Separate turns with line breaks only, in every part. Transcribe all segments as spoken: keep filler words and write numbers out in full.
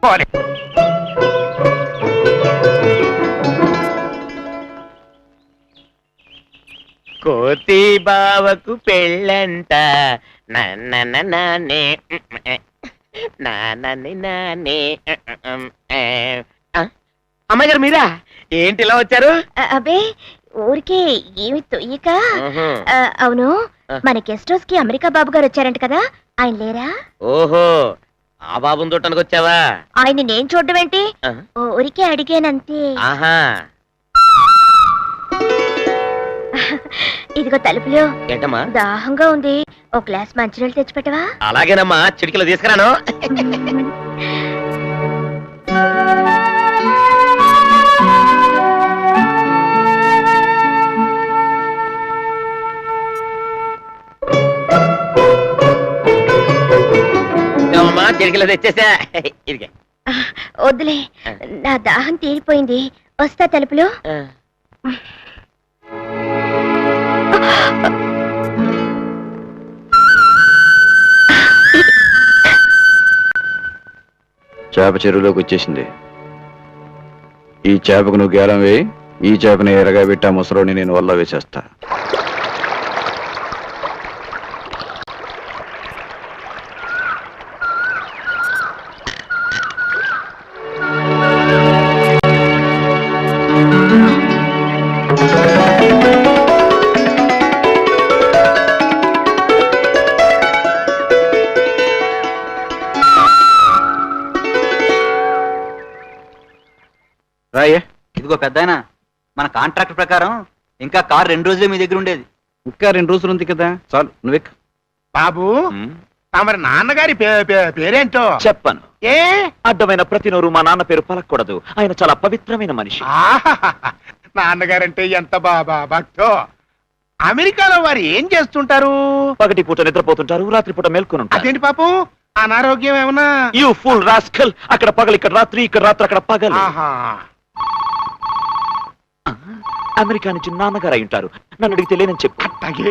చేసుకోవాలి. కోతి బావకు పెళ్ళంట నాన్న నానే నాని నానే. అమ్మాయి గారు మీరా? ఏంటి ఇలా వచ్చారు?
అబ్బే ఊరికే ఏమి తొయ్యక. అవును, మన గెస్ట్ హౌస్ కి అమెరికా బాబు గారు వచ్చారంట కదా, ఆయన లేరా?
ఓహో, ఆ బాబుని చూడటానికి వచ్చావా?
ఆయన నేను చూడడం ఏంటి, ఊరికే అడిగానంతే.
ఆహా,
ఇదిగో తలుపులో.
ఏంటమ్మా?
దాహంగా ఉంది, ఒక గ్లాస్ మంచినీళ్ళు తెచ్చిపెట్టవా?
అలాగేనమ్మా, చిటికలో తీసుకురాను. చిటికలో తెచ్చేసా.
వద్దులే, నా దాహం తీరిపోయింది, వస్తా. తలుపులో
చేప చెరువులోకి వచ్చేసింది. ఈ చేపకు నువ్వు గేలం వేయి, ఈ చేపని ఎరగా పెట్టి ఆ ముసలోని నేను వల్ల వేసేస్తా.
ఇదిగో పెద్దాయన, మన కాంట్రాక్ట్ ప్రకారం ఇంకా కార్ రెండు రోజులే మీ దగ్గర ఉండేది.
ఇంకా రెండు రోజులు ఉంది కదా, చాలు నువ్వెక్.
బాబు, మరి నాన్నగారి పేరేంటో
చెప్పను.
ఏ
అడ్డమైన ప్రతి నోరు మా నాన్న పేరు పలకూడదు, ఆయన చాలా పవిత్రమైన మనిషి.
నాన్నగారంటే ఎంత బాబా భక్తో. అమెరికాలో వారు ఏం చేస్తుంటారు?
పగటి పూట నిద్రపోతుంటారు, రాత్రి పూట మేల్కొని ఉంటారు.
అదేంటి పాపు, అనారోగ్యం ఏమన్నా?
యూ ఫుల్ రాస్కల్, అక్కడ పగలు ఇక్కడ రాత్రి, ఇక్కడ రాత్రి అక్కడ పగలు. అమెరికా నుంచి నాన్నగారు అయి ఉంటారు, నన్ను అడిగితే లేనని చెప్పు.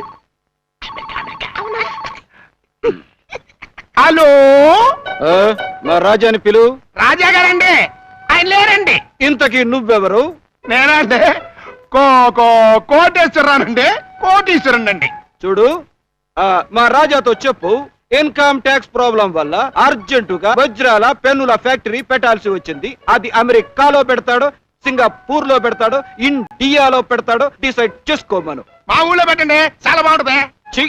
హలో,
మా రాజాని పిలు.
రాజా గారండి, ఆయన లేరండి.
ఇంతకీ నువ్వెవరు?
నేనండి కో కో కోటేశ్వరరానండి, కోటీశ్వరండి.
చూడు, మా రాజాతో చెప్పు, ఇన్కమ్ ట్యాక్స్ ప్రాబ్లం వల్ల అర్జెంటుగా వజ్రాల పెన్నుల ఫ్యాక్టరీ పెట్టాల్సి వచ్చింది. అది అమెరికాలో పెడతాడో, సింగపూర్ లో పెడతాడో, ఇండియాలో పెడతాడో డిసైడ్ చేసుకోమను.
మా ఊళ్ళో పెట్టండి, చాలా బాగుంటుంది.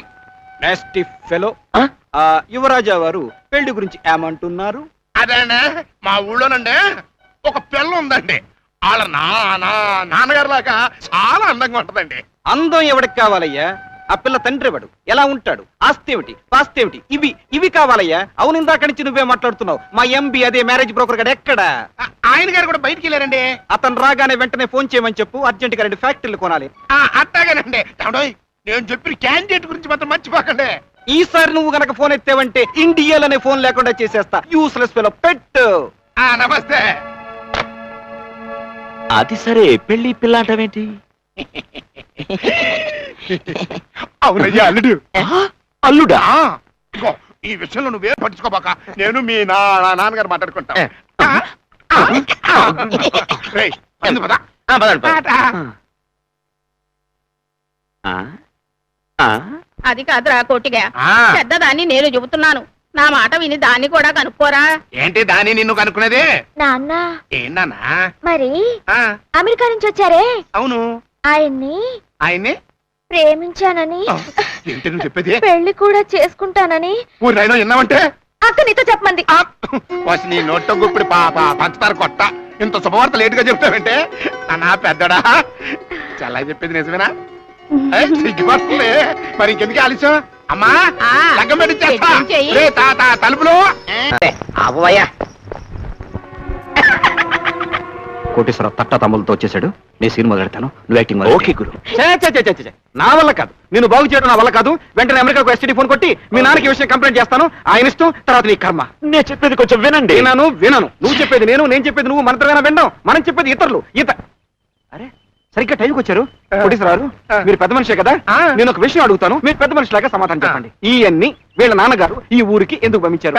యువరాజా వారు పెళ్లి గురించి ఏమంటున్నారు?
అదేండి, మా ఊళ్ళోనండి ఒక పిల్ల ఉందండి, వాళ్ళ నాన్న నాన్నగారు లాగా చాలా అందంగా ఉంటదండి.
అందం ఎవడికి కావాలయ్యా? ఆ పిల్ల తండ్రి ఎవడు, ఎలా ఉంటాడు, ఆస్తి ఏమిటి, పాస్తి ఏమిటి, ఇవి ఇవి కావాలయ్యా. అవును, ఇందాక నుంచి నువ్వే మాట్లాడుతున్నావు. మా ఎంబీ అదే మ్యారేజ్ బ్రోకర్ గడ ఎక్కడ?
ఆయన గారు కూడా బయటికి వెళ్ళారండి.
అతను రాగానే వెంటనే ఫోన్ చేయమని చెప్పు, అర్జెంట్ గా రెండు ఫ్యాక్టరీలు కొనాలి.
అట్టాగానండి. నేను చెప్పిన క్యాండిడేట్ గురించి మాత్రం మర్చిపోకండి.
ఈసారి నువ్వు గనక ఫోన్ ఎత్తావంటే ఇండియాలోనే ఫోన్ లేకుండా చేసేస్తా. యూస్లెస్ ఫెలో పెట్టు.
నమస్తే.
అది సరే, పెళ్లి పిల్ల అంటావేంటి?
అవునయ్యా, అల్లుడు.
అల్లుడా?
ఈ విషయంలో నువ్వే పట్టించుకోబాక, నేను మీ నా నాన్నగారు మాట్లాడుకుంటా.
అది కాదురా కోటిగా, పెద్దదాన్ని నేను చెబుతున్నాను, నా మాట విని దాన్ని కూడా కనుక్కోరా.
ఏంటి దాన్ని నిన్ను కనుక్కునేది?
నాన్న.
ఏంటన్నా?
మరి అమెరికా నుంచి వచ్చారే,
అవును,
ఆయన్ని
ఆయన్ని
ప్రేమించానని,
ఏంటి నువ్వు చెప్పేది?
పెళ్లి కూడా చేసుకుంటానని
ఊరినైనా విన్నావంటే
అక్క నీతో చెప్పమంది.
నీ నోట్లో గుప్పిడి పాప పంచదార కొట్ట, ఇంత శుభవార్త లేట్ గా చెప్తావంటే నా పెద్దడా చాలా చెప్పేది నిజమేనా? సిగ్గుపడుతుంది. మరి ఇంకెందుకు ఆలస్యం? అమ్మా, లగ్గం పెట్టించేస్తా. తలుపులు
అవ్వయ్యా.
కోటేశ్వర తట్ట తమ్ములతో వచ్చేసాడు. నేను సీన్ మొదలెడతాను, నువ్వు యాక్టింగ్.
ఓకే గురు.
నా వల్ల కాదు, నేను బాగు చేయడం నా వల్ల కాదు. వెంటనే అమెరికాకు ఎస్టీడీ ఫోన్ కొట్టి మీ నాన్నకి విషయం కంప్లైంట్ చేస్తాను. ఆయన ఇష్టం, తర్వాత నీ కర్మ.
నేను చెప్పేది కొంచెం వినండి.
విన్నాను వినను. నువ్వు చెప్పేది నేను, నేను చెప్పేది నువ్వు, మన ఇద్దరైనా విన్నాం. మనం చెప్పేది ఇతరులు. ఈత అరే సరిగ్గా టైంకి వచ్చారు కోటీశ్వరారు మీరు పెద్ద మనిషే కదా నేను ఒక విషయం అడుగుతాను మీరు పెద్ద మనిషిలాగా సమాధానం చెప్పండి ఇవన్నీ వీళ్ళ నాన్నగారు ఈ ఊరికి ఎందుకు పంపించారు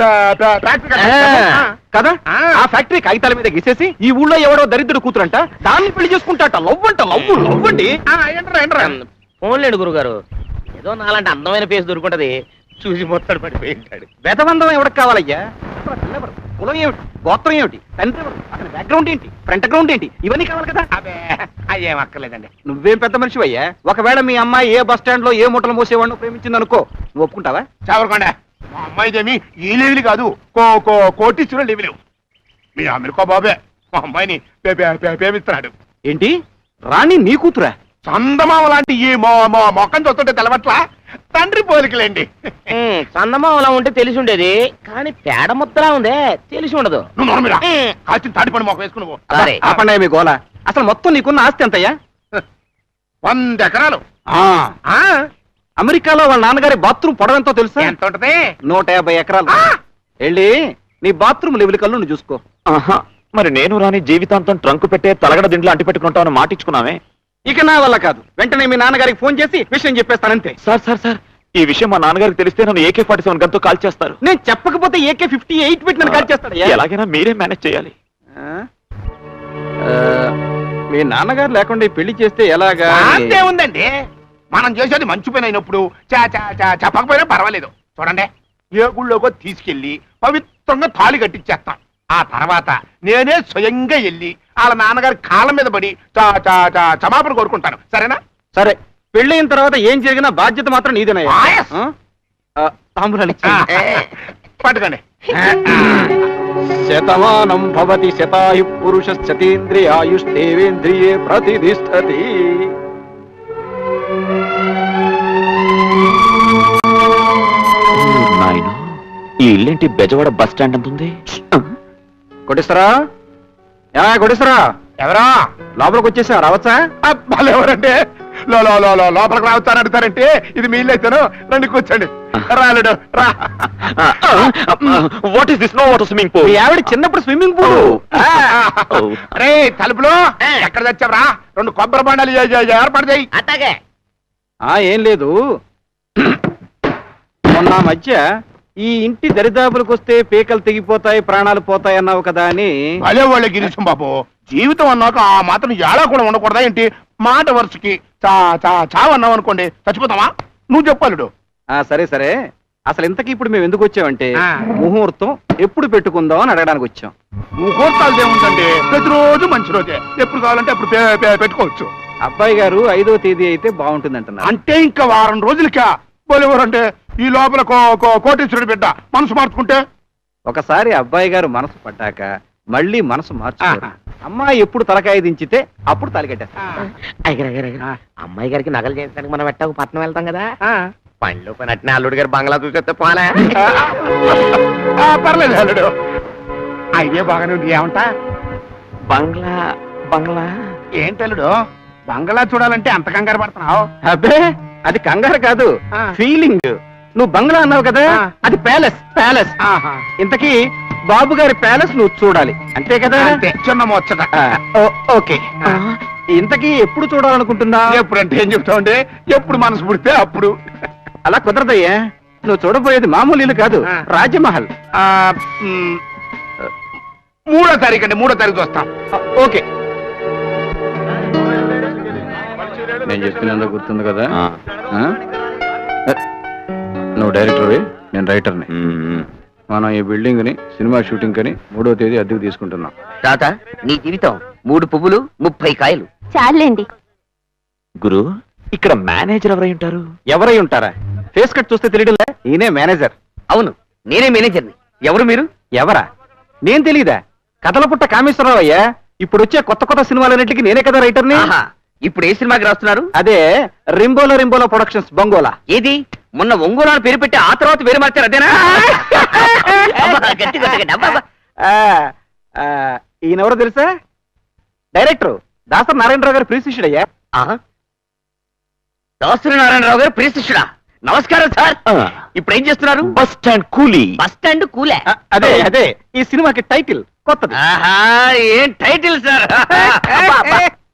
కదా ఆ ఫ్యాక్టరీ కాగితాల మీద గీసేసి ఈ ఊళ్ళో ఎవడో దరిద్రుడు కూతురంట దాన్ని పెళ్లి చేసుకుంటాట లవ్ అంట లవ్ లవ్ అండి
ఫోన్లేడు గురుగారు ఏదో నాలంటే అందమైన ఫేస్ దొరుకుంటది చూసి మొత్తాడు పడిపోయి ఉంటాడు.
వేదవందం ఎవరికి కావాలయ్యా ఎవరు? కులం ఏమిటి గోత్రం ఏమిటి తండ్రి ఎవరు? అతని బ్యాక్గ్రౌండ్ ఏంటి ఫ్రంట్ గ్రౌండ్ ఏంటి ఇవన్నీ కావాలి కదా
అదే అయ్యేం అక్కర్లేదండి.
నువ్వేం పెద్ద మనిషి అయ్యా ఒకవేళ మీ అమ్మాయి ఏ బస్ స్టాండ్ లో ఏ మూటలు మోసేవాడిని ప్రేమించింది అనుకో నువ్వు ఒప్పుకుంటావా
చావరకొండ మా అమ్మాయిదేమి ఈ లెవెల్ కాదు కో కో కోటీశ్వర లెవెల్. మీ అమెరికా బాబే మా అమ్మాయిని పే- పే- పే- ప్రేమిస్తున్నాడు.
ఏంటి రాణి నీ కూతురా
చందమామ లాంటి ఈ మొ మొ- మొక్కని చూస్తుంటే తెలవట్లా తండ్రి పోలికలేండి.
చందమామ అలా ఉంటే తెలిసి ఉండేది కానీ పేడ ముద్దలా ఉందే తెలిసి ఉండదు.
నువ్వు నోరమిరా కాచిన తాటిపండు మొక్క వేసుకుని పో.
సరే
ఆపండి మీ గోల అసలు మొత్తం నీకున్న ఆస్తి ఎంతయ్యా
వంద ఎకరాలు.
ఆ,
ఆ
అమెరికాలో వాళ్ళ నాన్నగారి బాత్రూమ్ పొడవ ఎంతో తెలుసా
ఎంత ఉంటది?
నూట యాభై ఎకరాలు వెళ్ళి నీ బాత్రూమ్ లెవెల్ కల్లు నువ్వు చూసుకో
ఆహా, మరి నేను రాని జీవితాంతం ట్రంకు పెట్టే తలగడ దింట్లో అంటి పెట్టుకుంటామని మాటిచ్చుకున్నామే.
ఇక నా వల్ల కాదు వెంటనే మీ నాన్నగారికి ఫోన్ చేసి విషయం చెప్పేస్తానంతే
సార్ సార్ సార్ ఈ విషయం మా నాన్నగారికి తెలిస్తే నన్ను ఏకే ఫార్టీ సెవెన్ గంతో కాల్ చేస్తారు.
నేను చెప్పకపోతే ఏకే ఫిఫ్టీ ఎయిట్ పెట్టి నన్ను కాల్ చేస్తాడు
ఎలాగైనా మీరే మేనేజ్ చేయాలి.
మీ నాన్నగారు లేకుండా ఈ పెళ్లి చేస్తే ఎలాగా
అంతే ఉందండి. మనం చేసేది మంచి పని అయినప్పుడు చా చా చా చెప్పకపోయినా పర్వాలేదు. చూడండి ఏ గుళ్ళోకో తీసుకెళ్లి పవిత్రంగా తాళి కట్టించేస్తాం. ఆ తర్వాత నేనే స్వయంగా వెళ్ళి వాళ్ళ నాన్నగారి కాళ్ళ మీద పడి చా చా చా క్షమాపణ కోరుకుంటాను. సరేనా?
సరే పెళ్ళైన తర్వాత ఏం జరిగినా బాధ్యత మాత్రం నీదేనయ్యా
ఆయస్.
ఆ? ఆ, తాంబూలాలు ఇచ్చేయండి.
పట్టుకోండి.
శతమానం భవతి శతాయు పురుష శతేంద్రియాయుష్ేంద్రియే ప్రతిష్టతి.
నాయన ఈ ఇల్లేంటి బెజవాడ బస్ స్టాండ్ అంత ఉంది.
కొట్టేస్తారా ఏమా కొట్టేస్తారా
ఎవరా
లోపలికి వచ్చేసా రావచ్చా
వాళ్ళు ఎవరంటే లో లో లో లో లోపలికి రావుతాను అడుగుతారంటే ఇది మీ ఇల్లు అయితేను రండి కూర్చోండి. రాలేడు రా.
What is this no water swimming
మీ
పూల్?
ఆవిడ చిన్నప్పుడు స్విమ్మింగ్ పూల్
రే తలుపులో ఎక్కడ తెచ్చావరా? రెండు కొబ్బరి బండాలు ఏ- ఏ- ఏర్పాటు చేయి.
అట్టాగే
ఆ ఏం లేదు మొన్న మధ్య ఈ ఇంటి దరిదాపులకు వస్తే పీకలు తెగిపోతాయి ప్రాణాలు పోతాయి అన్నావు కదా అని
అదే వాళ్ళ గిరీశం బాబు జీవితం అన్నాక ఆ మాత్రం ఎలా కూడా ఉండకూడదా ఏంటి? మాట వరుసకి చా చా చావన్నావు అనుకోండి చచ్చిపోతావా? నువ్వు చెప్పాలుడు.
ఆ సరే సరే అసలు ఇంతకీ ఇప్పుడు మేము ఎందుకు వచ్చామంటే
ఆ.
ముహూర్తం ఎప్పుడు పెట్టుకుందాం అని అడగడానికి వచ్చాం.
ముహూర్తాలు ఏముందండి ప్రతిరోజు మంచి రోజే. ఎప్పుడు కావాలంటే అప్పుడు పే- పే- పెట్టుకోవచ్చు.
అబ్బాయి గారు ఐదో తేదీ అయితే బాగుంటుంది అంటున్నారు.
అంటే ఇంకా వారం రోజులకా పోలేవారంటే ఈ లోపల కో- కో- కోటీశ్వరుడు బిడ్డ మనసు మార్చుకుంటే
ఒకసారి అబ్బాయి గారు మనసు పడ్డాక మళ్ళీ మనసు మార్చుకోరు.
ఆహా.
అమ్మాయి ఎప్పుడు తలకాయ దించితే అప్పుడు తాలికట్టేస్తారు.
అయ్యగారు, అయ్యగారు, అయ్యగారు. అమ్మాయి గారికి నగలు చేయించడానికి మనం ఎట్టాకు పట్నం వెళ్తాం కదా పనిలో పని అట్నే అల్లుడు గారు బంగ్లా చూసేస్తే పోలే.
ఆ, పర్లేదు అల్లుడు అయ్యే బాగానే ఉంది. ఏమంటా
బంగ్లా బంగ్లా
ఏంటి అల్లుడు బంగ్లా చూడాలంటే అంత కంగారు పడుతున్నావు?
అబ్బే అది కంగారు కాదు
ఆ.
ఫీలింగ్. నువ్వు బంగ్లా అన్నావు కదా
ఆ.
అది ప్యాలెస్ ప్యాలెస్.
ఆహా.
ఇంతకీ బాబు గారి ప్యాలెస్ నువ్వు చూడాలి అంతే కదా?
అంతే చిన్న ముచ్చట.
ఆ, ఓ- ఓకే ఇంతకీ ఎప్పుడు చూడాలనుకుంటున్నా?
ఎప్పుడంటే ఏం చెప్తావుంటే ఎప్పుడు మనసు పుడితే అప్పుడు.
అలా కుదరదయ్యా నువ్వు చూడబోయేది మామూలు ఇల్లు కాదు
ఆ.
రాజమహల్.
ఆ, మ్, మూడో తారీఖు అండి మూడో తారీఖు వస్తాం.
ఆ, ఓకే నేను చెప్తున్నందుకు గుర్తుంది కదా?
ఆ.
ఆ? నువ్వు డైరెక్టర్వి నేను రైటర్ని.
మ్మ్.
మనం ఈ బిల్డింగ్ ని సినిమా షూటింగ్ కని మూడో తేదీ అద్దెకు తీసుకుంటున్నాం.
తాత నీ జీవితం మూడు పువ్వులు ముప్పై కాయలు.
చాలండి.
గురు ఇక్కడ మేనేజర్ ఎవరై ఉంటారు?
ఎవరై ఉంటారా? ఫేస్ కట్ చూస్తే తెలియడంలే ఈయనే మేనేజర్.
అవును నేనే మేనేజర్ని. ఎవరు మీరు?
ఎవరా? నేను తెలీదా? కథల పుట్ట కామేశ్వరరావు అయ్యా. ఇప్పుడు వచ్చే కొత్త కొత్త సినిమాలన్నింటికి నేనే కదా రైటర్ని.
ఆహా, ఇప్పుడు ఏ సినిమాకి రాస్తున్నారు?
అదే రింబోలో రింబోలో ప్రొడక్షన్స్ బంగోలా.
ఏది మొన్న ఒంగోలు అని పేరు పెట్టి ఆ తర్వాత పేరు మార్చారు అదేనా? అబ్బా, గట్టి గట్టిగా అబ్బా, అబ్బా.
ఆ, ఆ, ఈయనెవరో తెలుసా? డైరెక్టర్ దాసరి నారాయణరావు గారు ప్రియ శిష్యుడయ్యా.
ఆహా. దాసరి నారాయణరావు గారు ప్రియ శిష్యుడా? నమస్కారం సార్.
ఆ.
ఇప్పుడు ఏం చేస్తున్నారు?
బస్ స్టాండ్ కూలీ.
బస్ స్టాండ్ కూలే.
ఆ, అదే అదే ఈ సినిమాకి టైటిల్ కొత్తది.
ఆహా, ఏం టైటిల్ సార్? అబ్బా, అబ్బా.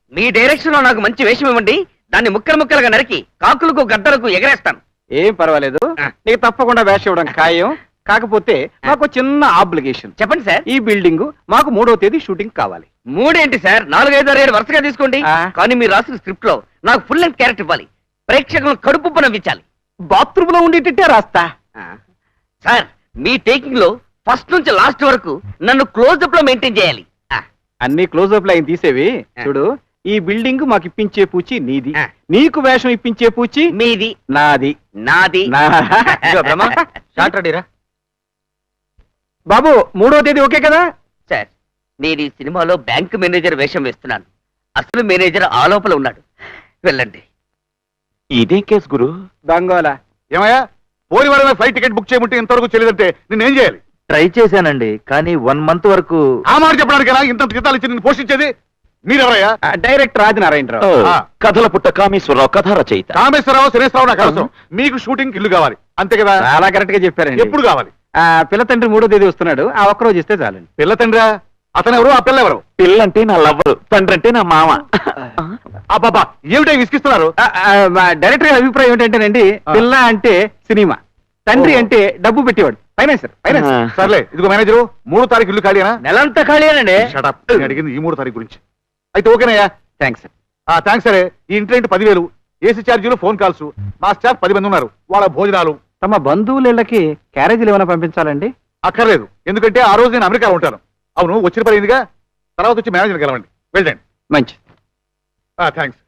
మీ డైరెక్షన్ లో నాకు మంచి వేషం ఇవ్వండి, దాన్ని ముక్కలు ముక్కలుగా నరికి కాకులకు గద్దలకు ఎగరేస్తాను.
ఏం పర్వాలేదు,
ఆ.
నీకు తప్పకుండా వేషం ఇవ్వడం ఖాయం. కాకపోతే మాకు చిన్న ఆబ్లిగేషన్.
చెప్పండి సార్.
ఈ బిల్డింగ్ మాకు మూడో తేదీ షూటింగ్ కావాలి.
మూడేంటి సార్, నాలుగైదు ఆరు ఏడు వరుసగా తీసుకోండి.
ఆ.
కానీ మీరు రాసిన స్క్రిప్ట్ లో నాకు ఫుల్ లెంత్ క్యారెక్టర్ ఇవ్వాలి, ప్రేక్షకులను కడుపు నవ్వించాలి.
బాత్రూమ్ లో ఉండేటట్టే రాస్తా.
సార్ మీ టేకింగ్ లో ఫస్ట్ నుంచి లాస్ట్ వరకు నన్ను క్లోజ్అప్ లో మెయింటైన్ చేయాలి. ఆ,
అన్ని క్లోజ్అప్ లైన్ తీసేవి.
ఆ.
చూడు, ఈ బిల్డింగ్ మాకు ఇప్పించే పూచి నీది,
ఆ.
నీకు వేషం ఇప్పించే పూచి
మీది
నాది.
నాది.
నా
ఇదిగో బ్రహ్మ, షార్ట్ రెడీరా.
బాబు, మూడో తేదీ ఓకే కదా?
సార్ నేను ఈ సినిమాలో బ్యాంక్ మేనేజర్ వేషం వేస్తున్నాను. అసలు మేనేజర్ ఆ లోపల ఉన్నాడు. వెళ్ళండి.
ఇదే కేసు గురు.
బంగోలా.
ఏమయ్యా, పోని వారమే ఫ్లైట్ టికెట్ బుక్ చేయమంటే ఇంతవరకు తెలియదంటే నేనేం చేయాలి?
ట్రై చేశానండి, కానీ వన్ మంత్ వరకు.
ఆ మాట చెప్పడానికైనా ఇంత జీతాలు ఇచ్చి నేను పోషించేది? మీరెవరయ్యా?
ఆ, డైరెక్టర్ ఆదినారాయణరావు.
ఆ.
కథల పుట్ట కామేశ్వరరావు, కథ రచయిత.
కామేశ్వరరావు, శనేశ్వరరావు నాకు అవసరం. మీకు షూటింగ్ ఇల్లు కావాలి అంతే కదా?
చాలా కరెక్ట్ గా చెప్పారండి.
ఎప్పుడు కావాలి?
ఆ, పిల్ల తండ్రి మూడో తేదీ వస్తున్నాడు, ఆ ఒక్క రోజు ఇస్తే చాలండి.
పిల్ల తండ్రా? అతను ఎవరు, ఆ పిల్ల ఎవరు?
పిల్లంటే నా లవ్వరు, తండ్రి అంటే నా మామ.
ఆ బాబా ఏమిటో విసిగిస్తున్నారు?
ఆ, ఆ, మా డైరెక్టర్ గారి అభిప్రాయం ఏంటంటేనండి,
ఆ.
పిల్ల అంటే సినిమా, తండ్రి
ఓ.
అంటే డబ్బు పెట్టేవాడు, ఫైనాన్సర్. ఫైనాన్స్.
ఆ.
సర్లే, ఇదిగో మేనేజరు, మూడో తారీఖు ఇల్లు ఖాళీనా?
నెలంతా ఖాళీనండి.
Shut up. నేను అడిగింది ఈ మూడో తారీఖు గురించి. అయితే ఓకేనయ్యా.
థ్యాంక్స్.
ఆ థ్యాంక్స్ సరే. ఈ ఇంటి రెంట్ పదివేలు, ఏసీ ఛార్జీలు, ఫోన్ కాల్స్. మా స్టాఫ్ పది మంది ఉన్నారు, వాళ్ళ భోజనాలు.
తమ బంధువులకి క్యారేజీలు ఏమైనా పంపించాలండి?
అక్కర్లేదు, ఎందుకంటే ఆ రోజు నేను అమెరికాలో ఉంటాను. అవును, వచ్చిన పని అయిందిగా, తర్వాత వచ్చి మేనేజర్ కలవండి. వెళ్ళండి.
మంచి.
థ్యాంక్స్.